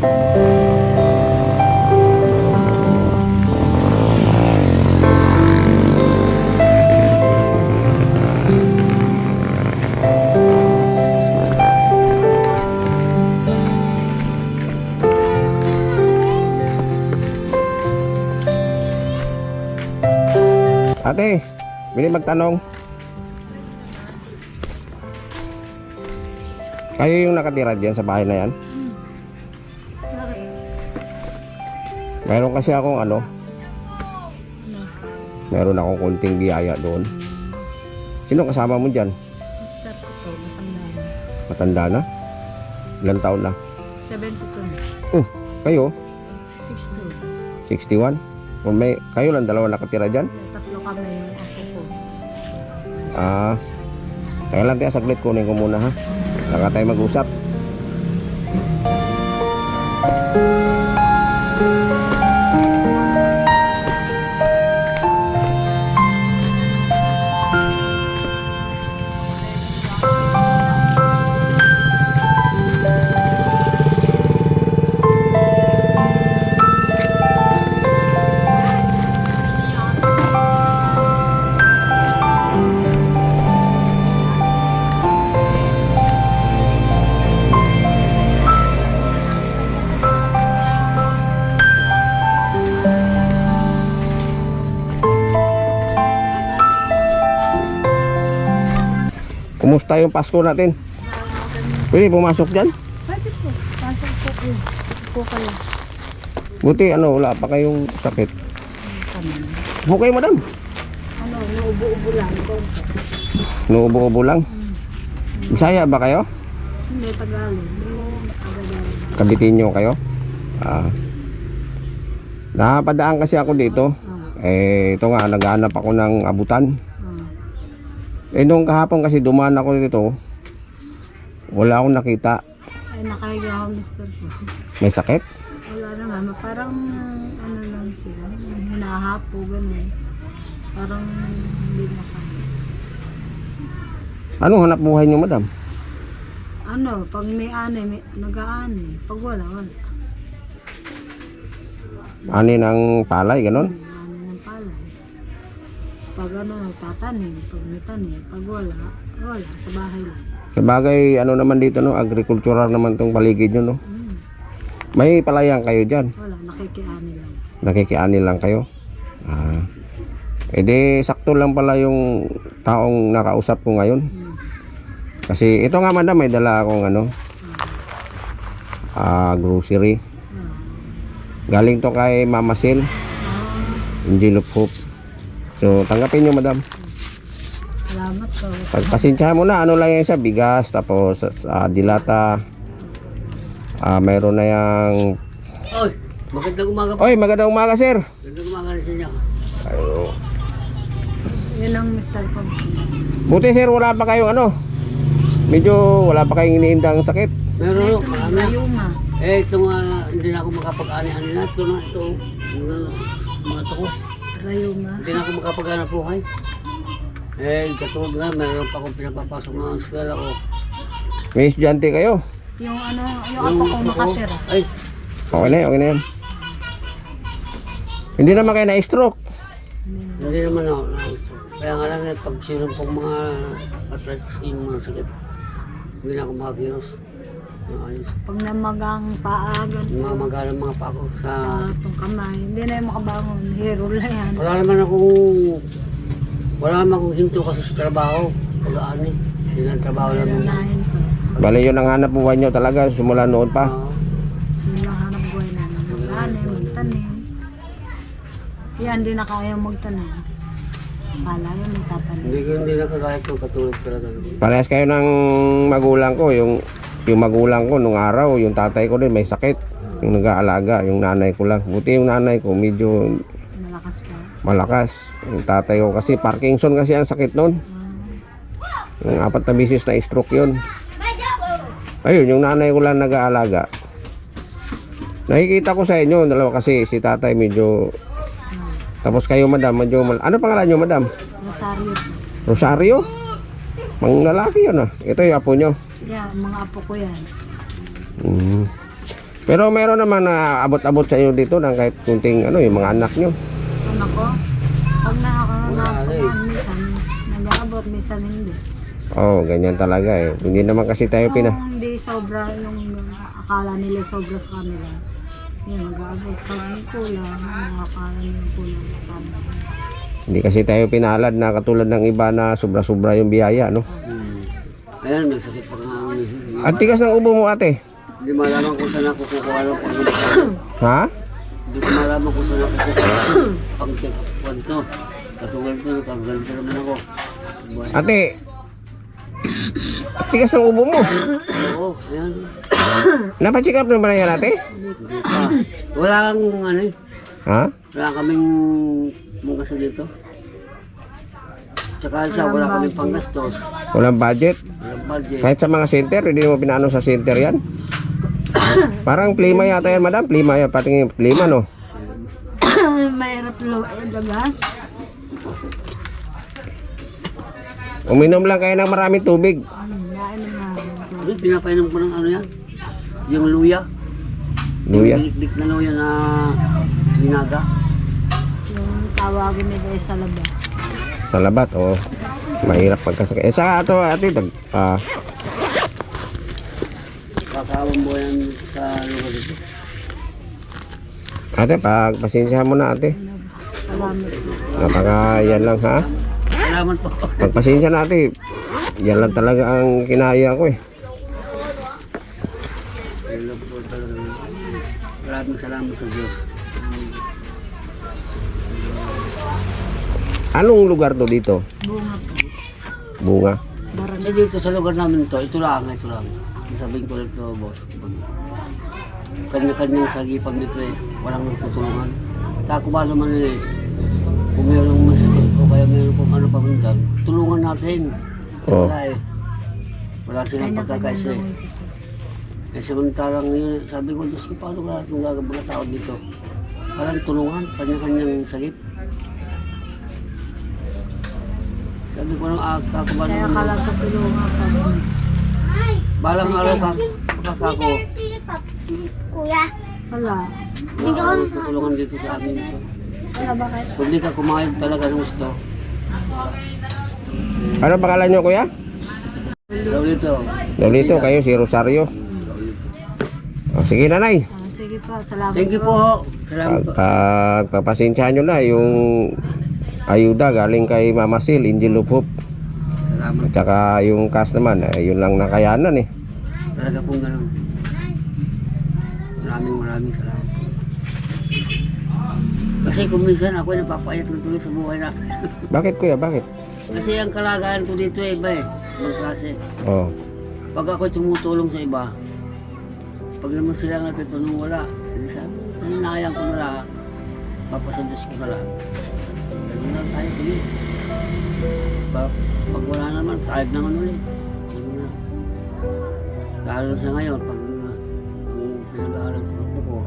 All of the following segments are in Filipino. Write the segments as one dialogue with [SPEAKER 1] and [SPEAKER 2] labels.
[SPEAKER 1] Ate, bili magtanong. Kayo yung nakatira dyan sa bahay na yan?
[SPEAKER 2] Bakit?
[SPEAKER 1] Meron kasi akong meron akong konting biyaya doon. Sino kasama mo dyan?
[SPEAKER 2] Mister ko to, matanda na.
[SPEAKER 1] Matanda na? Ilang taon na?
[SPEAKER 2] 72 na.
[SPEAKER 1] Kayo?
[SPEAKER 2] 62.
[SPEAKER 1] 61? O kayo lang dalawa nakatira dyan?
[SPEAKER 2] May tatlo kami yung ako ko.
[SPEAKER 1] Kaya lang tayo saglit, kunin ko muna ha. Saka tayo mag-usap. Kumusta yung Pasko natin? Pwede pumasok dyan?
[SPEAKER 2] Pwede po. Pasok po yun. Po kayo.
[SPEAKER 1] Buti wala pa kayong sakit.
[SPEAKER 2] Kami.
[SPEAKER 1] Upo kayo madam.
[SPEAKER 2] Naubo-ubo lang.
[SPEAKER 1] Nuubo-ubo lang. Bisaya ba kayo?
[SPEAKER 2] Hindi, Tagalog. Tagalog.
[SPEAKER 1] Kabitinyo kayo? Napadaan kasi ako dito. Ito nga, naghahanap ako ng abutan. Nung kahapon kasi dumaan ako dito, wala akong nakita.
[SPEAKER 2] Ay, nakahiga ako, mister ko.
[SPEAKER 1] May sakit?
[SPEAKER 2] Wala naman. Parang, lang sila. Hinahapo, gano'n. Parang, hindi na kaya.
[SPEAKER 1] Anong hanap buhay nyo madam?
[SPEAKER 2] Pag may ani, nag-aani. Pag wala.
[SPEAKER 1] Ani ng palay, ganon?
[SPEAKER 2] Ani ng palay. Pag tatanim. Pag may tanim. Pag wala, sa bahay lang.
[SPEAKER 1] Sabagay, naman dito, agricultural naman tong paligid nyo, no? May palayan kayo dyan?
[SPEAKER 2] Wala, nakikiani lang.
[SPEAKER 1] Nakikiani lang kayo? Di sakto lang pala yung taong nakausap ko ngayon. Kasi ito nga madam, may dala akong grocery. Galing to kay Mama Sil, Angel of Hope. So tanggapin nyo madam.
[SPEAKER 2] Salamat po.
[SPEAKER 1] Pagpasensyahan mo na, lang yan siya, bigas, tapos dilata. Mayroon na yung...
[SPEAKER 3] Oy, magandang umaga po.
[SPEAKER 1] Oy, magandang umaga sir.
[SPEAKER 3] Magandang umaga sa inyo.
[SPEAKER 1] Ayo.
[SPEAKER 2] Yun ang mister ko.
[SPEAKER 1] Buti sir, wala pa kayong medyo wala pa kayong iniindang sakit.
[SPEAKER 3] Meron, marami.
[SPEAKER 2] Rayuma.
[SPEAKER 3] Ito nga, hindi na ako makapag-ani-ani na. Ito na, ito. Mga ito ko.
[SPEAKER 2] Rayuma.
[SPEAKER 3] Hindi na ako makapag-ani buhay. Katulad nga, meron pa akong pinapapasok ng eskwela ko.
[SPEAKER 1] May estudyante kayo?
[SPEAKER 2] Yung yung ako kong nakatira.
[SPEAKER 3] Ay,
[SPEAKER 1] Okay na yan. Hindi naman kayo na-stroke.
[SPEAKER 3] hindi naman ako na-gusto. Kaya nga lang, pag sinong pong mga arthritis, yung mga sakit, hindi na ako makakilos. Ayos.
[SPEAKER 2] Pag namagang paagan
[SPEAKER 3] Yung mga magalang mga pako sa...
[SPEAKER 2] itong kamay, hindi na yung makabangon. Hero lang yan.
[SPEAKER 3] Wala naman akong hinto kasi sa trabaho. Pag-aani. Hindi na trabaho lang.
[SPEAKER 2] Nanahin pa.
[SPEAKER 1] Bale yun ang hanap buhay nyo talaga simula noon pa.
[SPEAKER 2] Yung lang hanap buhay na mag-anim, magtanim. Yan, hindi na kaya magtanim. Kala yun, magtatanim.
[SPEAKER 3] Hindi na kagaya ko katulad talaga.
[SPEAKER 1] Parehas kayo ng magulang ko. Yung magulang ko nung araw, yung tatay ko din may sakit. Yung nag-aalaga, yung nanay ko lang. Buti yung nanay ko medyo
[SPEAKER 2] Malakas pa.
[SPEAKER 1] malakas. Yung tatay ko kasi Parkinson kasi ang sakit noon. Yung 4 na bisis na stroke yun. Ayun, yung nanay ko lang nag-aalaga. Nakikita ko sa inyo, dalawa kasi si tatay medyo... Tapos kayo madam, medyo... Ano pangalan nyo madam?
[SPEAKER 2] Rosario.
[SPEAKER 1] Rosario? Mang lalaki yun Ito yung apo nyo.
[SPEAKER 2] Yeah, mga apo ko yan.
[SPEAKER 1] Pero meron naman na abot-abot sa inyo dito ng kahit kunting ano, yung mga anak nyo.
[SPEAKER 2] Ano ko? Pag
[SPEAKER 3] Wala rin.
[SPEAKER 2] minsan, nag-aabot, minsan hindi.
[SPEAKER 1] Oo, ganyan talaga eh. Hindi naman kasi tayo
[SPEAKER 2] Kung hindi sobra yung akala nila sobra sa kanila, yun, nag-aabot. Pag kulang, akala nila kulang sa amin.
[SPEAKER 1] Hindi kasi tayo pinalad na katulad ng iba na sobra-sobra yung biyaya, no?
[SPEAKER 3] Ayan, nagsakit pa nga ang misis.
[SPEAKER 1] At tigas ng ubo mo, ate.
[SPEAKER 3] Hindi malaman kung saan ako kukuha ng pang
[SPEAKER 1] Ha?
[SPEAKER 3] Hindi ko malaman kung saan ako kukuha pang check up to. Katulad ko, nakaganto naman ako.
[SPEAKER 1] Ate, tigas ng ubo mo.
[SPEAKER 3] Oo, ayan.
[SPEAKER 1] Napacheck up na ba na yan, ate?
[SPEAKER 3] Hindi pa. Wala kang ano eh.
[SPEAKER 1] Ha?
[SPEAKER 3] Wala kaming mungkasa dito. Tsaka isa, wala kaming panggastos.
[SPEAKER 1] Walang budget.
[SPEAKER 3] Walang budget.
[SPEAKER 1] Kahit sa mga center, hindi mo pinaano sa center yan. Parang plima yata yan, madam. Plima yan, patingin plima, no?
[SPEAKER 2] Mahirap labas.
[SPEAKER 1] Uminom lang kayo ng maraming tubig.
[SPEAKER 2] Nainom na.
[SPEAKER 3] Ano, pinapainom ko ng ano yan? Yung luya.
[SPEAKER 1] Luya.
[SPEAKER 3] Yung dinikdik na luya na binaga.
[SPEAKER 2] Yung tawagin nila ay sa labas.
[SPEAKER 1] Sa labat, oh. Mahirap pagkasakit. Eh, sa ato, ate,
[SPEAKER 3] Kakawang mo yan sa lugar dito.
[SPEAKER 1] ate, pagpasensyahan mo na, ate.
[SPEAKER 2] Salamat po.
[SPEAKER 1] Napaka, yan lang, ha?
[SPEAKER 3] Salamat po.
[SPEAKER 1] Pagpasensya na, ate. Yan lang talaga ang kinaya ko, eh.
[SPEAKER 3] Yan lang po talaga. Maraming salamat sa Diyos.
[SPEAKER 1] Anong lugar to dito?
[SPEAKER 2] Bunga po.
[SPEAKER 1] Bunga.
[SPEAKER 3] Kasi dito sa lugar namin to, ito lang. Sabihin ko lang to, boss. Kanya-kanyang sagipang dito eh. Walang nagtutulungan. Kako ba naman eh, kung mayroong masakit o kaya mayroong kung ano pa man dyan, tulungan natin.
[SPEAKER 1] Oo.
[SPEAKER 3] Wala eh. Wala silang pagkakaisa eh. Eh samantalang yun, sabi ko, Diyos ko, paano ka itong gagawin mga tao dito? Parang tulungan, kanya-kanyang sakit. Sabi ko nang kako ba
[SPEAKER 2] Kaya
[SPEAKER 3] naman,
[SPEAKER 2] kalang tutulungan pa rin.
[SPEAKER 3] balang araw ka, kakako,
[SPEAKER 4] Kuya,
[SPEAKER 2] Wala.
[SPEAKER 3] wala akong tutulungan dito sa amin dito.
[SPEAKER 2] Wala bakit?
[SPEAKER 3] Kung di ka kumayag talaga ng gusto,
[SPEAKER 1] Ano pangalan nyo, kuya?
[SPEAKER 3] daw dito.
[SPEAKER 1] Lolito, kayo si Rosario. Oh, sige, nanay.
[SPEAKER 2] Sige pa, salamat
[SPEAKER 3] Thank you po. Salamat po.
[SPEAKER 1] Pagpapasensyahan nyo na yung ayuda galing kay Mama Sil, Angel of Hope.
[SPEAKER 3] Salamat.
[SPEAKER 1] At saka yung cash naman, yun lang nakayanan eh.
[SPEAKER 3] Talaga pong ganun. Maraming salamat. Kasi kung minsan ako napapayat na tuloy sa buhay na.
[SPEAKER 1] Bakit, kuya? Bakit?
[SPEAKER 3] Kasi ang kalagayan ko dito ay iba eh. Ibang klase.
[SPEAKER 1] Oh.
[SPEAKER 3] Pag ako tumutulong sa iba, pag naman sila nagtutulong wala, hindi sabi, hinayang ko na lang, papasandos ko na lang. Ganun lang tayo tuloy. Pag wala naman, kahit naman ulit. Ganun na. Lalo sa ngayon, pag pinag-aaral ko ng buko,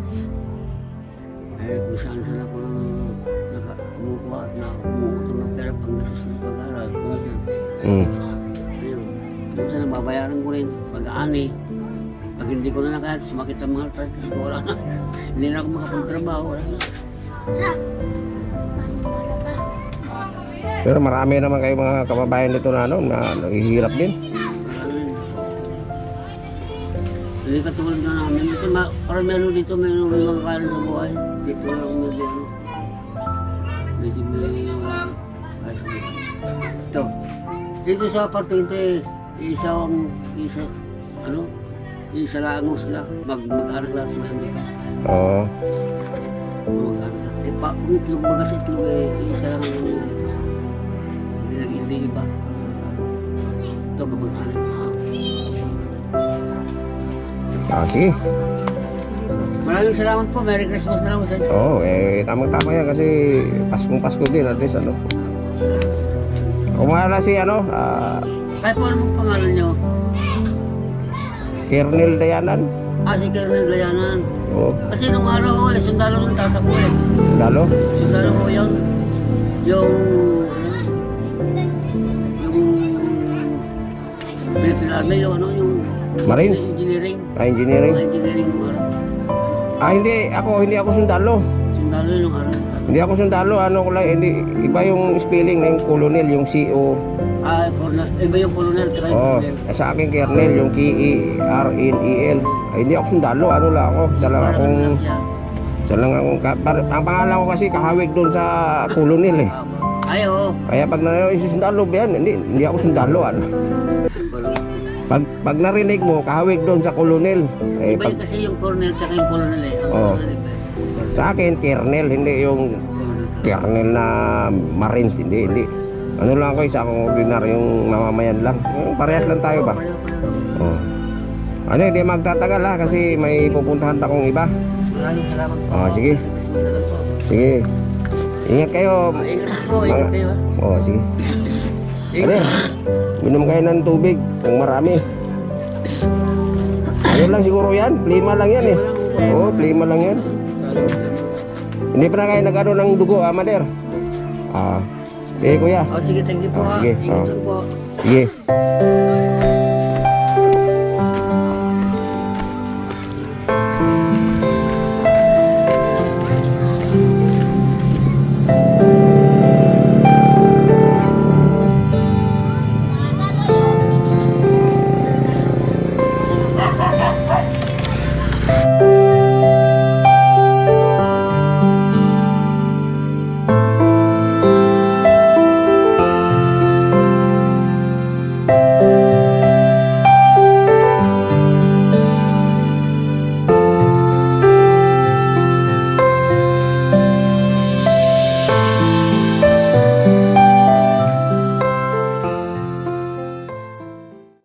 [SPEAKER 3] eh kung saan ako nang kumukuha at umuutong ng pera panggastos ng pag-aaral.
[SPEAKER 1] Mm.
[SPEAKER 3] Ayun. Minsan nababayaran ko rin pag-aani. Pag hindi ko na nakaya, sumakit ang mga arthritis ko, wala na. Hindi na ako makapagtrabaho, wala na.
[SPEAKER 1] Pero marami naman kayo mga kababayan dito na, ano, na naghihirap din.
[SPEAKER 3] Hindi katulad nga namin. Kasi parang meron dito, meron mga kaya sa buhay. Dito lang medyo may kaya sa buhay. Ito. Dito sa apartment isa lang sila. Mag-anak lang sila dito.
[SPEAKER 1] Oo.
[SPEAKER 3] Mag-anak. Eh pa, kung itlog baga sa itlog isa lang ang dito. Hindi iba. Ito mag-anak.
[SPEAKER 1] Sige.
[SPEAKER 3] Maraming salamat po. Merry Christmas na lang sa inyo.
[SPEAKER 1] Oo, tamang-tama yan kasi Paskong-Pasko din at least, ano. Kumala si,
[SPEAKER 3] Kahit po ano pangalan nyo?
[SPEAKER 1] Kernel Dayanan.
[SPEAKER 3] Si Colonel Layanan.
[SPEAKER 1] Oo.
[SPEAKER 3] Kasi nung araw ko sundalo ng tata ko
[SPEAKER 1] Dalo?
[SPEAKER 3] Sundalo ko yun. Yung Philippine Army, yung
[SPEAKER 1] Marines?
[SPEAKER 3] engineering.
[SPEAKER 1] Engineering?
[SPEAKER 3] Engineering.
[SPEAKER 1] Hindi ako sundalo.
[SPEAKER 3] Sundalo yung araw.
[SPEAKER 1] Hindi ako sundalo, ano ko lang, hindi, iba yung spelling na yung colonel, yung CO.
[SPEAKER 3] Colonel. Iba yung colonel, tsaka yung
[SPEAKER 1] Oh,
[SPEAKER 3] colonel.
[SPEAKER 1] sa akin kernel, yung KERNEL. Ay, hindi ako sundalo, ano lang ako, isa lang akong, ang pangalan ko kasi kahawig doon sa colonel eh.
[SPEAKER 3] Ay, oo.
[SPEAKER 1] Kaya pag sundalo ba yan, hindi ako sundalo, ano. Pag narinig mo, kahawig doon sa colonel. Eh,
[SPEAKER 3] Iba yung kasi yung colonel, tsaka yung colonel eh. Ang
[SPEAKER 1] Oo.
[SPEAKER 3] colonel iba.
[SPEAKER 1] Sa akin, kernel, hindi yung kernel na marines, hindi. Ano lang ako, isa akong ordinaryong mamamayan lang. Parehas lang tayo ba? Oh. Ano, hindi magtatagal ha, kasi may pupuntahan pa akong iba.
[SPEAKER 3] Maraming salamat po.
[SPEAKER 1] Oh, sige.
[SPEAKER 3] Christmas na lang po.
[SPEAKER 1] Sige. Ingat kayo.
[SPEAKER 3] Ingat po, ingat kayo.
[SPEAKER 1] Oh, sige. Ano, minom kayo ng tubig, ng marami. Ano lang siguro yan, plima lang yan eh. Oo, plima lang yan. Hindi pa na kayo nag-ano ng dugo, Mader? Sige kuya.
[SPEAKER 3] Oh, sige, thank you po.
[SPEAKER 1] Sige,
[SPEAKER 3] Ingat po.
[SPEAKER 1] sige.